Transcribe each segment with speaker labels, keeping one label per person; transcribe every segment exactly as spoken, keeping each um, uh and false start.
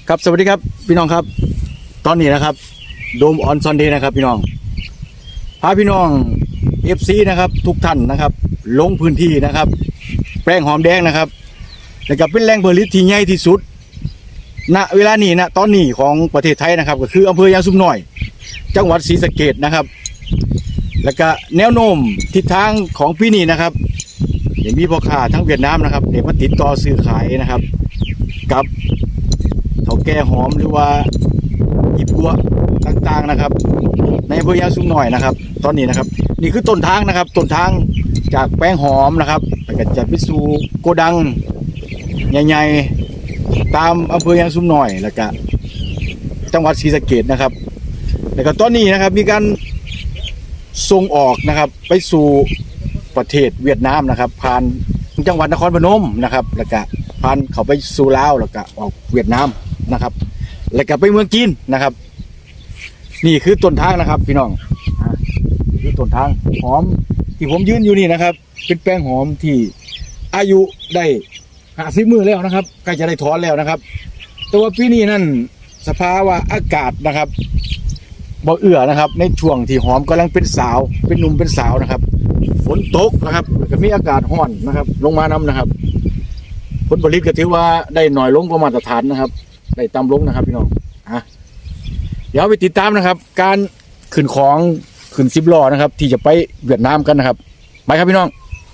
Speaker 1: ครับสวัสดีครับพี่น้องครับตอนนี้นะครับโดมออนซอนเดย์นะครับพี่น้องพาพี่น้อง เอฟ ซี นะครับทุกท่านนะครับลงพื้นที่นะครับแปลงหอมแดงนะครับแล้วก็เป็นแหล่งผลิตที่ใหญ่ที่สุดณเวลานี้นะตอนนี้ของประเทศไทยนะครับก็คืออำเภอยางซุมน้อยจังหวัดศรีสะเกษนะครับแล้วก็แนวโน้มทิศทางของปีนี้นะครับเดี๋ยวมีพ่อค้าทั้งเวียดนามนะครับเดี๋ยวมาติดต่อซื้อขายนะครับกับเถาแก่หอมหรือว่าหยิบกัวต่างๆนะครับในอำเภอยางซุมน้อยนะครับตอนนี้นะครับนี่คือต้นทางนะครับต้นทางจากแป้งหอมนะครับแล้วก็จะไปสู่โกดังใหญ่ๆตามอำเภอยางซุมน้อยแล้วก็จังหวัดศรีสะเกษนะครับแล้วก็ตอนนี้นะครับมีการส่งออกนะครับไปสู่ประเทศเวียดนามนะครับผ่านจังหวัดนครพนมนะครับแล้วก็ผ่านเข้าไปสู่ลาวแล้วก็ออกเวียดนามนะครับแล้วก็ไปเมืองจีนนะครับนี่คือต้นทางนะครับพี่น้องนี่คือต้นทางหอมที่ผมยืนอยู่นี่นะครับเป็นแป้งหอมที่อายุได้ห้าสิบมื้อแล้วนะครับใกล้จะได้ถอนแล้วนะครับแต่ว่าปีนี้นั่นสภาวะอากาศนะครับบ่เอื้อนะครับในช่วงที่หอมกำลังเป็นสาวเป็นหนุ่มเป็นสาวนะครับฝนตกนะครับก็มีอากาศร้อนนะครับลงมานำนะครับผลผลิตก็ถือว่าได้หน่อยลงกว่ามาตรฐานนะครับได้ต่ำลงนะครับพี่น้องอ่ะเดี๋ยวไปติดตามนะครับการขึ้นของขึ้นสิบล้อนะครับที่จะไปเวียดนามกันนะครับไปครับพี่น้อง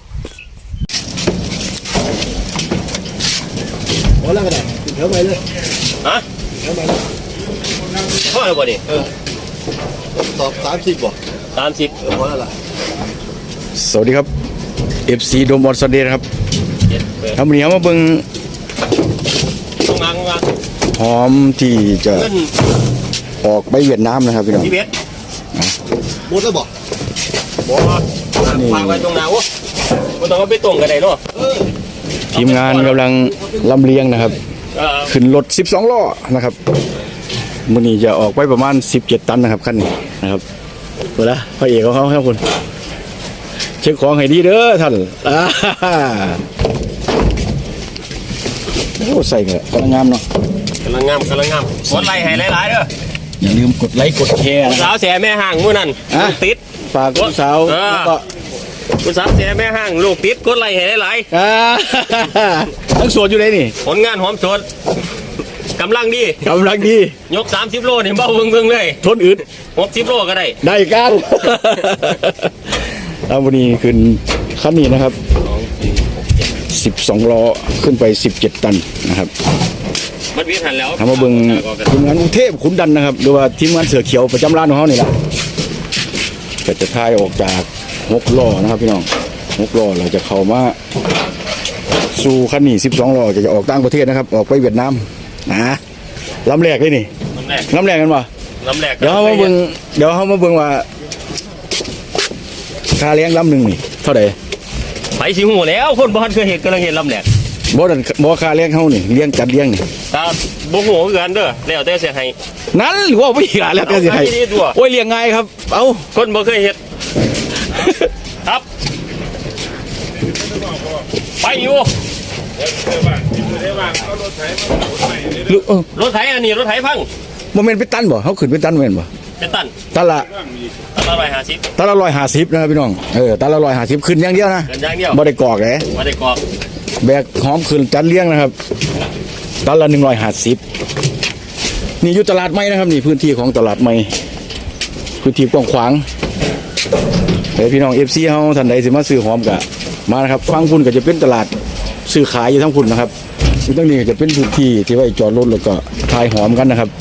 Speaker 2: โอ้แล้วก็ได้เดี๋ยวไปเลย
Speaker 3: ฮะ
Speaker 2: เดี๋ยวไปเลย
Speaker 3: พ่อแล้วบ่ดิ
Speaker 2: เออตอบสามสิบบ่
Speaker 3: สามสิบ
Speaker 2: เออพอแล้วล่ะ
Speaker 1: สวัสดีครับ เอฟ ซี โดมออนซอนเดย์นะครับทำวันนี้มาเบิ่ง
Speaker 3: ตรงงานตรงงาน
Speaker 1: หอมที่จะออกไปเวียดนามนะครับพี่น้อง
Speaker 3: ที่เวท
Speaker 2: หมดแล้วบ่
Speaker 3: บ่ฟังไว้ตรงนาโอ้บ่ต้องเอาไปตรงกันได้เนาะ
Speaker 1: ทีมงานกำลังลำเลียงนะครับขึ้นรถสิบสองล้อนะครับมื้อนี้จะออกไปประมาณสิบเจ็ดตันนะครับคันนี้นะครับเปิดละพระเอกของเขาครับคุณเช็คของให้ดีเด้อท่านอ่าโอ้ใส่เงอะกำลังงามเนาะ
Speaker 3: กำลังงามกำลังงามกดไลค์ให้หลายๆเด้อ
Speaker 1: อย่าลืมกดไลค์กดแชร์นะ
Speaker 3: สาวแสแม่ห่างมื้อนั้นติด
Speaker 1: ฝากผู้สาวแล้วก็
Speaker 3: ผู้สาวแสแม่ห่างลูกติดกดไลค์ให้หลาย
Speaker 1: ๆอ่าทั้งสวนอยู่ไหนนี่
Speaker 3: ผลงานหอมสดกำลังดี
Speaker 1: กำลังดี
Speaker 3: ยกสามสิบโลนี่เบาเบิ่งๆเลย
Speaker 1: ทนอึด
Speaker 3: หกสิบโลก็ได้
Speaker 1: ได้กันเอาวันนี้ขึ้นคันนี้นะครับสิบสองล้อขึ้นไปสิบเจ็ดตันนะครับ
Speaker 3: มันวิถันแล้ว
Speaker 1: ทำมาเบิ่งทีมงานอุเทพขุนดันนะครับหรือว่าทีมงานเสือเขียวประจำร้านของเขานี่แหละก็จะทายออกจากหกล้อนะครับพี่น้องหกล้อเราจะเข้ามาสู่คันนี้สิบสองล้อจะออกต่างประเทศนะครับออกไปเวียดนามนะลำแรกเลยนี่ลำแรกกันวะ
Speaker 3: ลำแรก
Speaker 1: เดี๋ยวเขามาเบิ่งเดี๋ยวเขามาเบิ่งว่าค่าเลี้ยงลำหนึ่งนี่เท่าไหร่
Speaker 3: ไปสิหูแล้วคนบ้านเคยเห็นกำลังเห็นลำแหลก
Speaker 1: บ่ดันบ่ค่าเลี้ยงเขานี่เลี้ยงจัดเลี้ยงนี่
Speaker 3: ตาบ่หูกันเด้อแล้วแต่เสียให้
Speaker 1: นั่นว่าไม่หาแล้วแต่เสียให้โอ้ยเลี้ยงง่ายครับเอ้า
Speaker 3: คนบ่เคยเห็นครับไปอยู่รถไถอันนี้รถไถพัง
Speaker 1: โมเมนต์เป็นตันบ่เขาขึ้นเป็นตันโมเมนต์บ่
Speaker 3: เป็นตัน
Speaker 1: ตันละ
Speaker 3: ตันละร้อยห้าสิบ
Speaker 1: ตันละร้อยห้าสิบนะครับพี่น้องเออตันละร้อยห้าสิบขึ้นอย่างเดียวนะ
Speaker 3: ขึ้นอย่างเดียว
Speaker 1: บ่ได้กอกเลย
Speaker 3: บ่ได้กอก
Speaker 1: แบกหอมขึ้นจัดเลี้ยงนะครับตันละหนึ่งร้อยห้าสิบนี่อยู่ตลาดใหม่นะครับนี่พื้นที่ของตลาดใหม่พื้นที่กว้างขวางเดี๋ยวพี่น้องเอฟซีเขาท่านใดสิมาซื้อหอมกะมานะครับฟังคุณก็จะเป็นตลาดซื้อขายอยู่ทั้งคุณนะครับอยู่ตั้งนี้จะเป็นพื้นที่ที่ไว้จอดรถแล้วก็ทายหอมกันนะครับ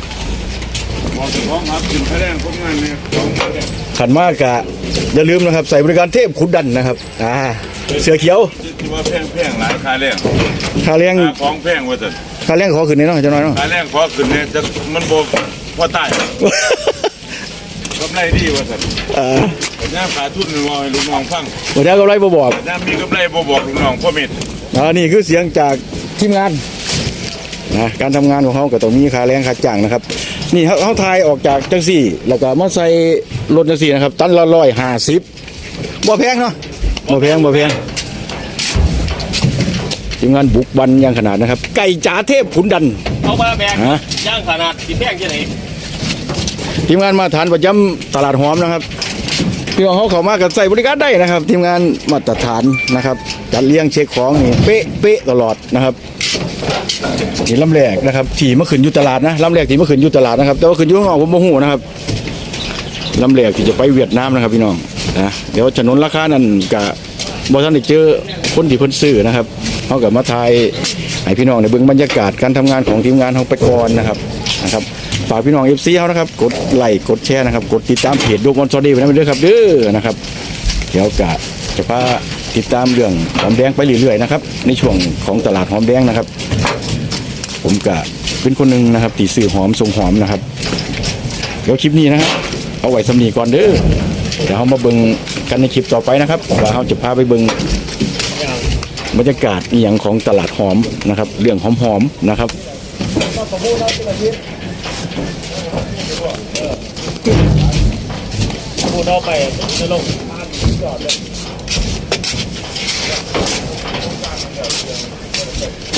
Speaker 1: ขันมากกะอย่าลืมนะครับใส่บริการเทพขุนดันนะครับอ่าเสือเขียว
Speaker 4: ที่ว่าแพงแพงหลายค่าแรง
Speaker 1: ค่าแรง
Speaker 4: ของแพงว่าจะ
Speaker 1: ค่าแรงขอขึ้นนิดหน่อยจะน้อยเนาะ
Speaker 4: ค่าแรงขอขึ้นเนี่ยจะมันโบพอตายกำไรดีว่าจะ
Speaker 1: อ่า
Speaker 4: น้าขาทุนมองให้ลูกน้องฟัง
Speaker 1: วันนี้กำไรบ่บอก
Speaker 4: น้ามีกำไรบ่บอกลูกน้องพ่อเม็ด
Speaker 1: อ่านี่คือเสียงจากทีมงานนะการทำงานของเขาก็ต้องมีค่าแรงค่าจ้างนะครับนี่เขาเขาทายออกจากจังสี่แล้วก็มาใส่รถจังสี่นะครับตันละร้อยห้าสิบบ่แพงเนาะบ่แพงบ่แพงทีมงานบุกบันอย่างขนาดนะครับ ไก่จ๋าเทพขุนดัน
Speaker 3: เอามาแบก
Speaker 1: ฮะ
Speaker 3: ย่างขนาดสีแพงที่ไหน
Speaker 1: ทีมงานมาทานประจำตลาดหอมนะครับพี่น้องเขาเข้ามากันใส่บริการได้นะครับ ทีมงานมาตรฐานนะครับจัดเลี้ยงเช็คของนี่เป๊ะเป๊ะตลอดนะครับนี่ลำแรกนะครับที่เมื่อคืนอยู่ตลาดนะลำแรกที่เมื่อคืนอยู่ตลาดนะครับแต่ว่าคืนอยู่ข้างนอกผมโมโหนะครับลำแรกที่จะไปเวียดนามนะครับพี่น้องนะเดี๋ยวถนนราคานั้นกับบอท่านได้เจอคนที่เพิ่นซื้อนะครับเขากับมาทายให้พี่น้องในเบื้องบรรยากาศการทำงานของทีมงานเขาไปก่อนนะครับนะครับฝากพี่น้องเอฟซีเขานะครับกดไลค์กดแชร์นะครับกดติดตามเพจดูมอนซอดี้ไปนะด้วยครับเด้อนะครับเดี๋ยวกะจะพาติดตามเรื่องหอมแดงไปเรื่อยๆนะครับในช่วงของตลาดหอมแดงนะครับ ผมกะเป็นคนหนึ่งนะครับตีสื่อหอมทรงหอมนะครับเดี๋ยวคลิปนี้นะครับเอาไว้สำนีก่อนเด้อเดี๋ยวเรามาเบิ่งกันในคลิปต่อไปนะครับว่าเราจะพาไปเบิ่งบรรยากาศอหย่างของตลาดหอมนะครับเรื่องหอมๆนะครับ
Speaker 3: พูดเอาไปจะลง